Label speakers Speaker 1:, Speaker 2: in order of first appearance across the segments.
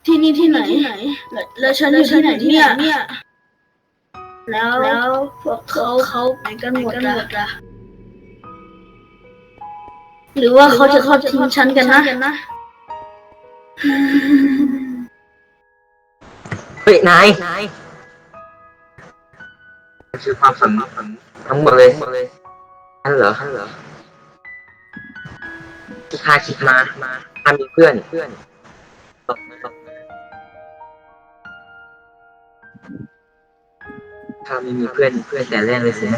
Speaker 1: ที่นี่ที่ไหนแล้วฉันอยู่ที่ไหนเนี่ยแล้วพวกเขาไปกันหมดอะหรือว่าเขาจะทอดทิ้งฉันกันนะ
Speaker 2: เฮ้ยนายคือความฝันทั้งหมดเลยนั่นเหรอที่ข้าคิดมาข้ามีเพื่อนข้าไม่มีเพื่อนแต่แรกเลยสินะ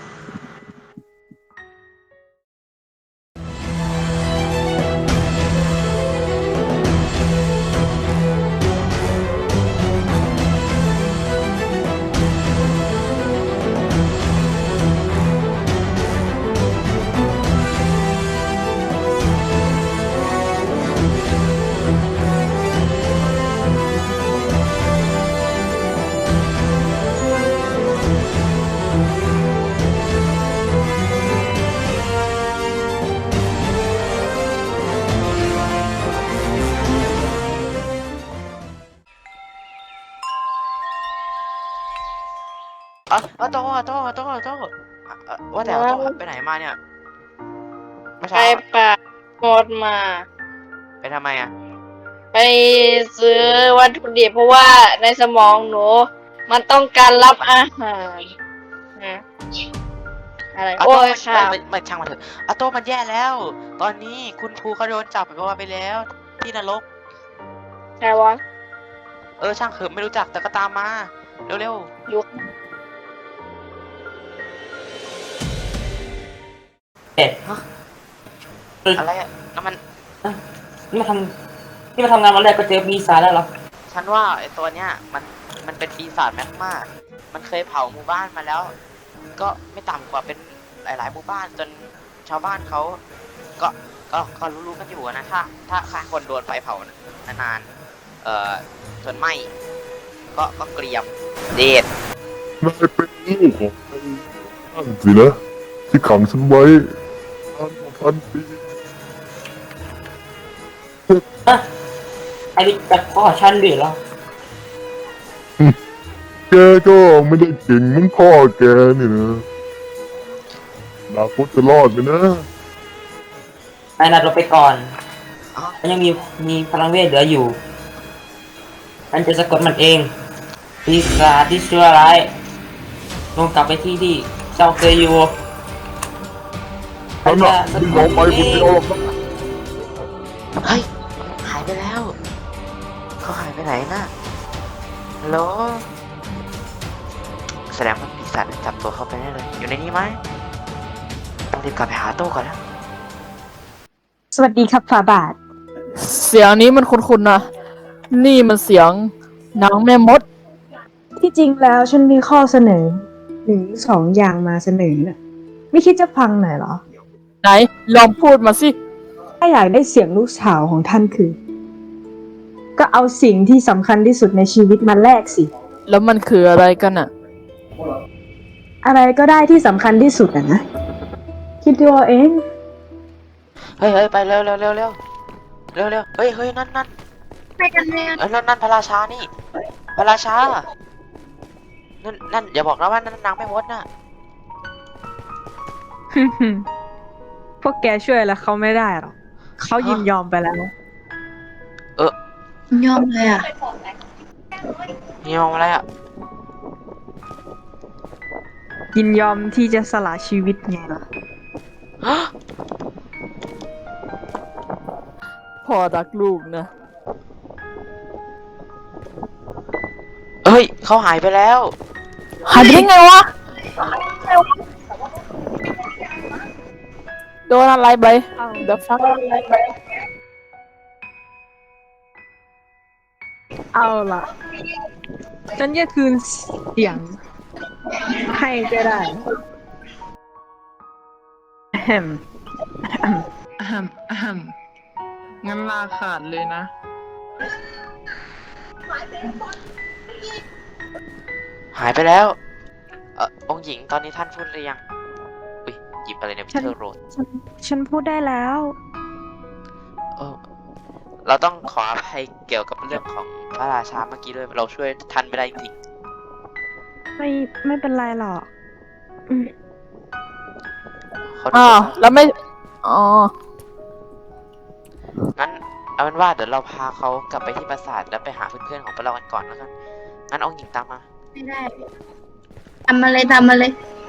Speaker 3: โต้ว่าแต่โต้ไปไหนมาเนี่ยเมื่อ
Speaker 4: ไป
Speaker 3: เช้า
Speaker 4: ป่าหมดมา
Speaker 3: ไปทำไมอ่ะ
Speaker 4: ไปซื้อวัตถุดิบเพราะว่าในสมองหนู มันต้องการรับอาหารนะอะไรโอ้ยค่ะ
Speaker 3: ไม่ช่างมันเถอะโต้มันแย่แล้ว ตอนนี้คุณครูเขาโดนจับไปแล้วที่นรก
Speaker 4: ใช่วะ
Speaker 3: ช่างเถอะไม่รู้จักแต่ก็ตามมาเร็ว
Speaker 4: ยุค
Speaker 2: เป็ด
Speaker 3: ๆอะไรอ่ะนั่นมัน
Speaker 2: นี่มาทำงานวันแรกก็เจอปีศาจแล้วเหรอ
Speaker 3: ฉันว่าไอ้ตัวเนี้ยมันเป็นปีศาจแมกมามันเคยเผาหมู่บ้านมาแล้ว ก็ไม่ต่ำกว่าเป็นหลายๆหมู่บ้านจนชาวบ้านเขาก็ก็รู้ๆกันอยู่นะถ้าคนโดนไฟเผานานจนไหม้ก็เกรียมเดด
Speaker 5: นายเป็นลูกของไอ้นั่นสินะที่ขังฉันไว้1,000 ปี
Speaker 2: ไอ้นี่แบบพ่อฉันด้วยเหรอ
Speaker 5: แกก็ไม่ได้เก่งเหมือนพ่อแกนี่นะอนาคตจะรอดไหมนะ
Speaker 2: นายนัดเราไปก่อน
Speaker 3: อ๋อ
Speaker 2: มันยังมีพลังเวทเหลืออยู่มันจะสะกดมันเองปีศาจที่ชั่วร้ายลงกลับไปที่เจ้าเคยอยู่
Speaker 5: ฉันน่ะไม่ยอมไปคนเดียวหรอกนะ
Speaker 3: เฮ้ยหายไปแล้วเขาหายไปไหนนะฮัลโหลแสดงว่าปีศาจจับตัวเขาไปได้เลยอยู่ในนี้ไหมต้องรีบกลับไปหาโต้ก่อนนะ
Speaker 6: สวัสดีครับฝาบาท
Speaker 7: เสียงนี้มันคุ้นๆนะ นี่มันเสียงนางแม่มด
Speaker 6: ที่จริงแล้วฉันมีข้อเสนอ1-2 อย่างมาเสนอน่ะไม่คิดจะฟังหน่อยเหรอ
Speaker 7: ไหน ลองพูดมาสิ
Speaker 6: ถ้าอยากได้เสียงลูกสาวของท่านคือ ก็เอาสิ่งที่สำคัญที่สุดในชีวิตมาแลกสิ
Speaker 7: แล้วมันคืออะไรกันอะ
Speaker 6: อะไรก็ได้ที่สำคัญที่สุดอะนะ คิดดูเอาเอง
Speaker 3: เฮ้ยไปเร็วเฮ้ยนั่นไปกันเลยนั่นพระราชานี่พระราชานั่นอย่าบอกนะว่านั่นนางไม่มดน่ะ
Speaker 6: พวกแกช่วยแล้วเขาไม่ได้หรอกเขายินยอมไปแล้ว
Speaker 1: ยอมเลยอะ
Speaker 3: นี่มองอะไรอ่ะ
Speaker 6: ยินยอมที่จะสละชีวิตไงล่ะ
Speaker 7: พ่อรักลูกนะ
Speaker 3: เฮ้ยเขาหายไปแล้ว
Speaker 7: หายไปได้ไงวะ โดนอะไรไปเดี๋ยวฟัง
Speaker 6: เอาล่ะ ฉันจะคืนเสียงให้ก็ได้อะแฮม
Speaker 7: งั้นลาขาดเลยนะ
Speaker 3: หายไปแล้วองค์หญิงตอนนี้ท่านพูดหรือยังอุ้ยหยิบอะไรเนี่ยพิเทอร์โรด
Speaker 6: ฉันพูดได้แล้ว
Speaker 3: เออเราต้องขออภัยเกี่ยวกับเรื่องของพระราชาเมื่อกี้ด้วยเราช่วยท่านไม่ได้จริง
Speaker 6: ไม่เป็นไรหรอก
Speaker 3: ๆขอโท
Speaker 7: อ้าว
Speaker 3: ษ
Speaker 7: แล้วไม่ อ๋อ
Speaker 3: งั้นเอาเป็นว่าเดี๋ยวเราพาเขากลับไปที่ปราสาทแล้วไปหาเพื่อนๆของพวกเรากันก่อนแล้วกันงั้นองค์หญิงตามมา
Speaker 1: ไม่ได้ทำมาเลยทำมาเลย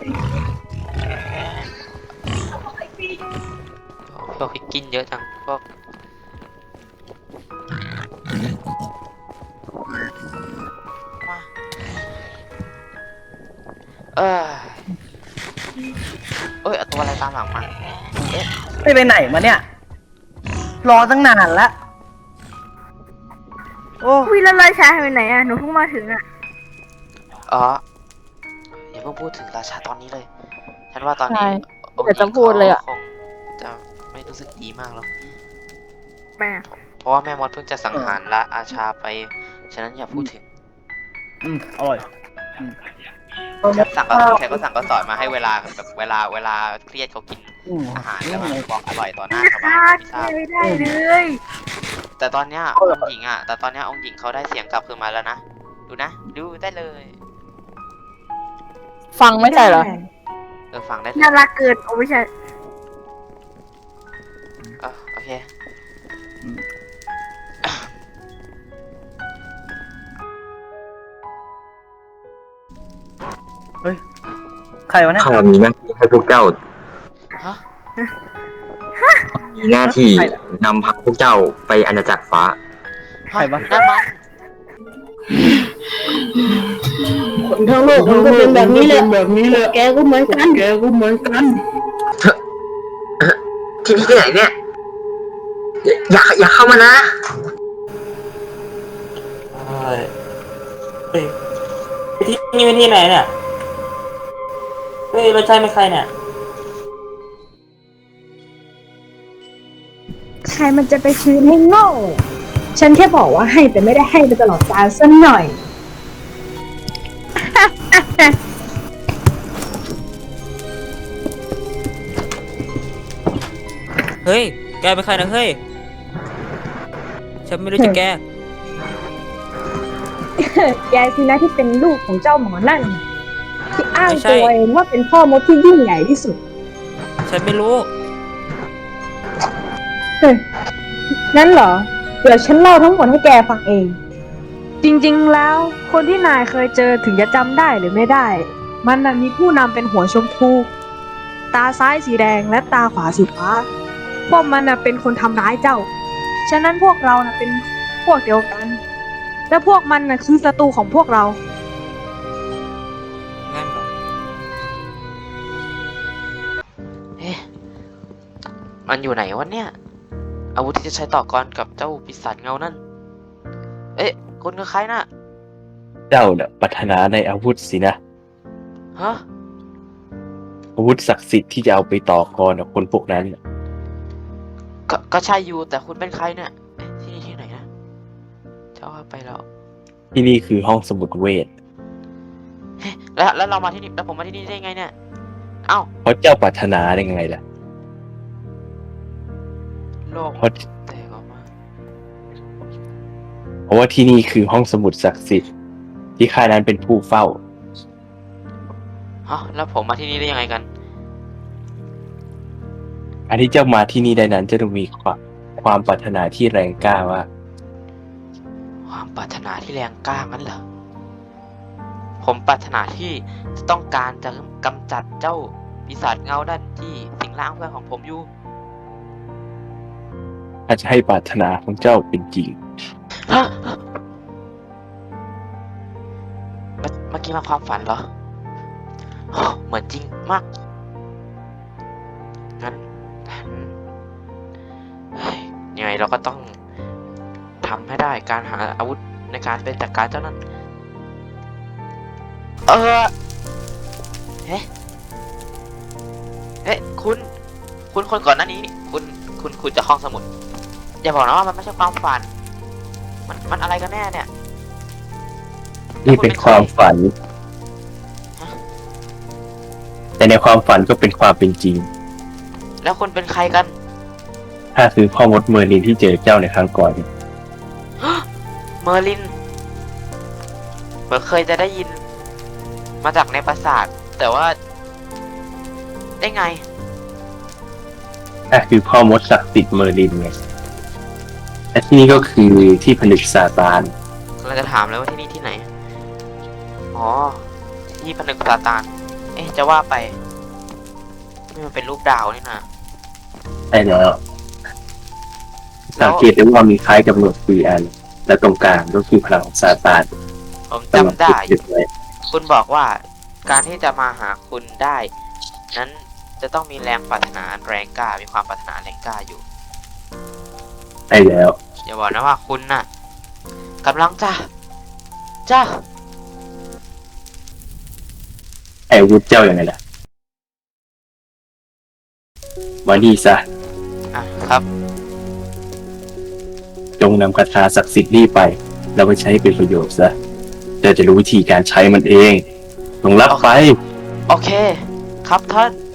Speaker 3: พวกกินเยอะจังพวกมาเอ้ยเอาตัวอะไรตามหลังมาเอ๊ะ
Speaker 8: ไปไหนมาเนี่ย รอตั้งนานละโอ้
Speaker 1: วิแล้วราชาไปไหนอ่ะ หนูเพิ่งมาถึงอ่ะ
Speaker 3: อ๋ออย่าเพิ่งพูดถึงราชาตอนนี้เลย ฉันว่าตอนนี้
Speaker 7: ใช่
Speaker 3: องค์ห
Speaker 7: เดี๋
Speaker 3: ญิ
Speaker 7: ยวจะ
Speaker 3: ง
Speaker 7: พูดเลยอะ
Speaker 3: คงจะไม่รู้สึกดีมากหรอก
Speaker 1: แม่
Speaker 3: เพราะว่าแม่มดเพิ่งจะสังหารละอาชาไป ฉะนั้นอย่าพูดถึง
Speaker 8: อร่อย
Speaker 3: สั่งก็สั่งก็สอนมาให้เวลาแบบเวลาเครียดเขากินอาหารแล้วมาบอกอร่อยต่อหน้าชาวบ้านไม่ทราบ
Speaker 1: ไม่ได้เลย
Speaker 3: แต่ตอนเนี้ยองค์หญิงเขาได้เสียงกลับคืนมาแล้วนะ ดูนะ ดูได้เลย
Speaker 7: ฟังไม่ใช่เหรอ
Speaker 3: ฟังได้เลย
Speaker 1: น่ารักเกินโอ้ไม่ใช่
Speaker 3: โอเค
Speaker 8: ใครวะเนี่ย
Speaker 9: ข้ามีหน้าที่ให้พวกเจ้า
Speaker 3: ฮะ
Speaker 9: มีหน้าที่นำพาพวกเจ้าไปอาณาจักรฟ้า
Speaker 8: ใครวะ
Speaker 3: นั่นมัน
Speaker 1: คนทั้งโลกมันก็เป็นแบบนี้แหละแกก็เหมือนกัน
Speaker 9: ที่นี่ที่ไหนเนี่ย อย่าเข้ามานะ
Speaker 2: เฮ้ยที่นี่เป็นที่ไหนเนี่ย เฮ้ยเราใช่ไม่ใครเนี่ย
Speaker 6: ใครมันจะไปคืนให้โง่ ฉันแค่บอกว่าให้แต่ไม่ได้ให้ไปตลอดกาลสักหน่อย
Speaker 10: เฮ้ย แกเป็นใครนะเฮ้ย ฉันไม่รู้จักแก
Speaker 6: แกสินะที่เป็นลูกของเจ้าหมอนั่น ที่อ้าง
Speaker 10: ไม่ใช่
Speaker 6: ตัวเองว่าเป็นพ่อมดที่ยิ่งใหญ่ที่สุด
Speaker 10: ฉันไม่รู้
Speaker 6: นั่นเหรอ เดี๋ยวฉันเล่าทั้งหมดให้แกฟังเอง จริงๆ แล้วคนที่นายเคยเจอถึงจะจำได้หรือไม่ได้ มันน่ะมีผู้นำเป็นหัวชมพู ตาซ้ายสีแดงและตาขวาสีฟ้า พวกมันน่ะเป็นคนทำร้ายเจ้า ฉะนั้นพวกเราน่ะเป็นพวกเดียวกัน และพวกมันน่ะคือศัตรูของพวกเรา
Speaker 10: งั้นเหรอ
Speaker 3: เอ๊ะมันอยู่ไหนวะเนี่ย อาวุธที่จะใช้ต่อกรกับเจ้าปีศาจเงานั่น เอ๊ะคุณคือใครน่ะ
Speaker 11: เจ้าน่ะปรารถนาในอาวุธสินะ
Speaker 3: ฮะ
Speaker 11: อาวุธศักดิ์สิทธิ์ที่จะเอาไปต่อกรกับคนพวกนั้นน่ะ
Speaker 3: ก็ใช่อยู่แต่คุณเป็นใครเนี่ยเอ๊ะที่นี่ที่ไหนนะเจ้าว่าไปแล้ว
Speaker 11: ที่นี่คือห้องสมุดเวท
Speaker 3: เฮ้ยแล้วเรามาที่นี่แล้วผมมาที่นี่ได้ไงเนี่ย เอ้า
Speaker 11: เพราะเจ้าปรารถนาได้ไงล่ะ
Speaker 3: โลก
Speaker 11: เพราะ
Speaker 3: แตกออกมา
Speaker 11: เพราะว่าที่นี่คือห้องสมุดศักดิ์สิทธิ์ที่ข้านั้นเป็นผู้เฝ้า
Speaker 3: ฮะแล้วผมมาที่นี่ได้ยังไงกัน
Speaker 11: อันที่เจ้ามาที่นี่ได้นั้นจะต้องมีความปรารถนาที่แรงกล้าว่า
Speaker 3: ความปรารถนาที่แรงกล้างั้นเหรอ ผมปรารถนาที่จะต้องการจะกำจัดเจ้าปีศาจเงาด้านที่สิงร่างเพื่อนของผมอยู่
Speaker 11: ถ้าจะให้ปรารถนาของเจ้าเป็นจริง
Speaker 3: ฮะเมื่อกี้มาความฝันเหรอโอ้เหมือนจริงมาก งั้นเฮ้ยยังไงเราก็ต้องทำให้ได้การหาอาวุธในการเป็นจัดการเจ้านั้น เฮ้คุณคนก่อนหน้านี้นี่คุณจะห้องสมุด อย่าบอกนะว่ามันไม่ใช่ความฝัน มันอะไรกันแน่เนี่ย
Speaker 11: นี่เป็นความฝัน แต่ในความฝันก็เป็นความเป็นจริง
Speaker 3: แล้วคุณเป็นใครกัน
Speaker 11: ข้าคือพ่อมดเมอร์ลินที่เจอเจ้าในครั้งก่อน
Speaker 3: เมอร์ลินเหมือนเคยจะได้ยิน มาจากในปราสาท แต่ว่า ได้ไง
Speaker 11: ข้าคือพ่อมดศักดิ์สิทธิ์เมอร์ลินไงและที่นี่ก็คือที่ผนึกซาตาน
Speaker 3: เราจะถามแล้วว่าที่นี่ที่ไหน อ๋อ ที่ผนึกซาตาน เอ๊ะ จะว่าไปนี่มันเป็นรูปดาวนี่นะ
Speaker 11: ใช่แล้วสังเกตได้ว่ามีคล้ายกับหนวด4 อัน และตรงกลางก็คือพลังของซาตาน
Speaker 3: ผมจำได้
Speaker 11: ยึดไว้
Speaker 3: คุณบอกว่าการที่จะมาหาคุณได้ นั้นจะต้องมีแรงปรารถนาแรงกล้า มีความปรารถนาแรงกล้าอยู่
Speaker 11: ใช่แล้ว
Speaker 3: อย่าบอกนะว่าคุณน่ะกำลังจะ
Speaker 11: ไอ้อาวุธเจ้าอย่างไงล่ะมานี่ซะ
Speaker 3: อ่ะครับ
Speaker 11: จงนำคาถาศักดิ์สิทธิ์นี่ไป แล้วไปใช้เป็นประโยชน์ซะเจ้าจะรู้วิธีการใช้มันเองจงรับไป
Speaker 3: โอเค ครับท่าน